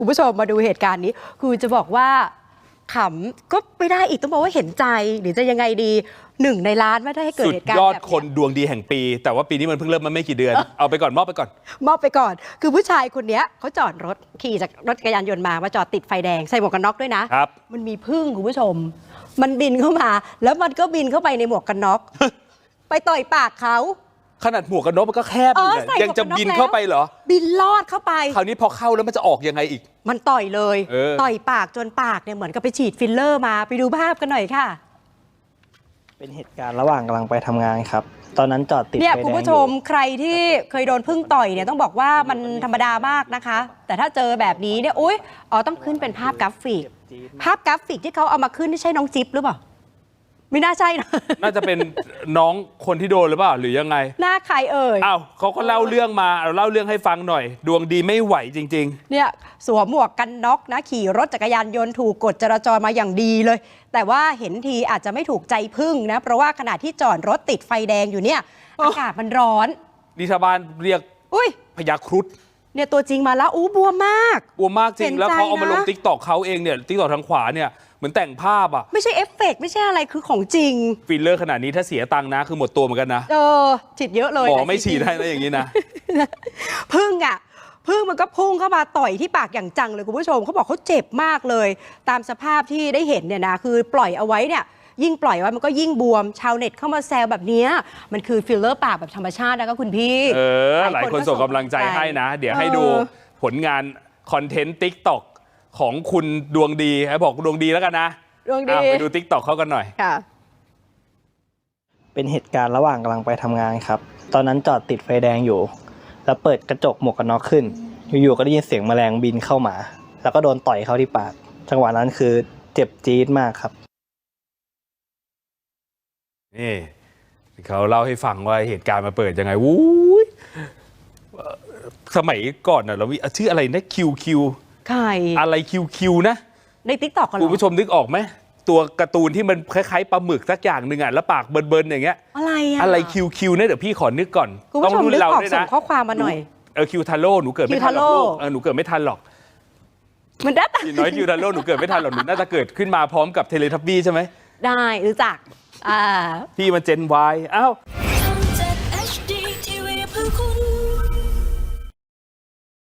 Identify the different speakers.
Speaker 1: คุณผู้ชมมาดูเหตุการณ์นี้คือจะบอกว่าขำก็ไม่ได้อีกต้องบอกว่าเห็นใจหรือจะยังไงดี1 ในล้านไม่ได้ให้เกิดเหตุการณ์แบบนี้สุดยอด
Speaker 2: คนดวงดีแห่งปีแต่ว่าปีนี้มันเพิ่งเริ่มมาไม่กี่เดือน เอาไปก่อนมอบไปก่อน
Speaker 1: คือผู้ชายคนนี้เขาจอดรถขี่จากรถจักรยานยนต์มาจอดติดไฟแดงใส่หมวกกันน็อกด้วยนะครับมันมีผึ้งคุณผู้ชมมันบินเข้ามาแล้วมันก็บินเข้าไปในหมวกกันน็อก ไปต่อยปากเขา
Speaker 2: ขนาดหมวกกันน็อกมันก็แคบอยู่เนี่ยยังจะบินเข้าไปเหรอ
Speaker 1: บินลอดเข้าไป
Speaker 2: คราวนี้พอเข้าแล้วมันจะออกยังไงอีก
Speaker 1: มันต่อยเลยต่อยปากจนปากเนี่ยเหมือนกับไปฉีดฟิลเลอร์มาไปดูภาพกันหน่อยค่ะ
Speaker 3: เป็นเหตุการณ์ระหว่างกำลังไปทำงานครับตอนนั้นจอดติดไฟแดง
Speaker 1: เนี่ยคุณผู้ชมใครที่เคยโดนผึ้งต่อยเนี่ยต้องบอกว่ามันธรรมดามากนะคะแต่ถ้าเจอแบบนี้เนี่ยต้องขึ้นเป็นภาพกราฟิกที่เขาเอามาขึ้นนี่ใช่น้องจิ๊บหรือเปล่าไม่น่าใช่นะ
Speaker 2: น่าจะเป็นน้องคนที่โดนหรือเปล่าหรือยังไง
Speaker 1: หน้าใครเอ่ย
Speaker 2: อ้าวเขาก็เล่าเรื่องมาเล่าเรื่องให้ฟังหน่อยดวงดีไม่ไหวจริง
Speaker 1: ๆเนี่ยสวมหมวกกันน็อกนะขี่รถจักรยานยนต์ถูกกฎจราจรมาอย่างดีเลยแต่ว่าเห็นทีอาจจะไม่ถูกใจผึ้งนะเพราะว่าขณะที่จอดรถติดไฟแดงอยู่เนี่ยอากาศมันร้อน
Speaker 2: ดิชาวบ้านเรียกพญาครุฑ
Speaker 1: เนี่ยตัวจริงมาแล้วบวมมาก
Speaker 2: จริงแล้วเขาเอามาลงติ๊กต็อกเขาเองเนี่ยติ๊กต็อกทางขวาเนี่ยเหมือนแต่งภาพอ่ะ
Speaker 1: ไม่ใช่เอฟเฟกต์ไม่ใช่อะไรคือของจริง
Speaker 2: ฟิลเลอร์ขนาดนี้ถ้าเสียตังค์นะคือหมดตัวเหมือนกันนะ
Speaker 1: ฉีดเยอะเลย
Speaker 2: หมอไม่ฉีดได้นะอย่างนี้นะ
Speaker 1: ผึ้งมันก็พุ่งเข้ามาต่อยที่ปากอย่างจังเลยคุณผู้ชมเขาบอกเขาเจ็บมากเลยตามสภาพที่ได้เห็นเนี่ยนะคือปล่อยเอาไว้เนี่ยยิ่งปล่อยไว้มันก็ยิ่งบวมชาวเน็ตเข้ามาแซวแบบนี้มันคือฟิลเลอร์ปากแบบธรรมชาตินะคะคุณพี่
Speaker 2: หลายคนส่งกำลังใจให้นะเดี๋ยวให้ดูผลงานคอนเทนต์ติ๊กต็อกของคุณดวงดีบอกดวงดีแล้วกันนะ
Speaker 1: ดวงดี
Speaker 2: ไปดูติ๊กต็อกเขากันหน่อย
Speaker 1: ค่ะ
Speaker 3: เป็นเหตุการณ์ระหว่างกำลังไปทำงานครับตอนนั้นจอดติดไฟแดงอยู่แล้วเปิดกระจกหมวกกันน็อกขึ้นอยู่ๆก็ได้ยินเสียงแมลงบินเข้ามาแล้วก็โดนต่อยเข้าที่ปากจังหวะนั้นคือเจ็บจี๊ดมากครับ
Speaker 2: นี่เขาเล่าให้ฟังว่าเหตุการณ์มาเปิดยังไงวู้ยสมัยก่อนเรามีชื่ออะไรนะคิว
Speaker 1: ใคร
Speaker 2: อะไรคิวนะ
Speaker 1: ในติ๊กต็อก
Speaker 2: คุณผู้ชมนึกออกไหมตัวการ์ตูนที่มันคล้ายๆปลาหมึกสักอย่างหนึ่งแล้วปากเบิร์นอย่างเงี้ยอะไรคิวเนี่ยเดี๋ยวพี่ขอนึกก่อน
Speaker 1: ต้องรุ่นเราด้วยนะส่งข้อความมาหน่อย
Speaker 2: คิวทาโร่หนูเกิดไม่ทันหรอกหนูเกิดไม่ทันหรอก
Speaker 1: มันได้
Speaker 2: แต่น้อยคิวทาโร่หนูเกิดไม่ทันหรอกหนูน่าจะเกิดขึ้นมาพร้อมกับเทเลทับบี้ใช่ไหม
Speaker 1: ได้รู้จัก
Speaker 2: พี่มันเจน Y อ้าว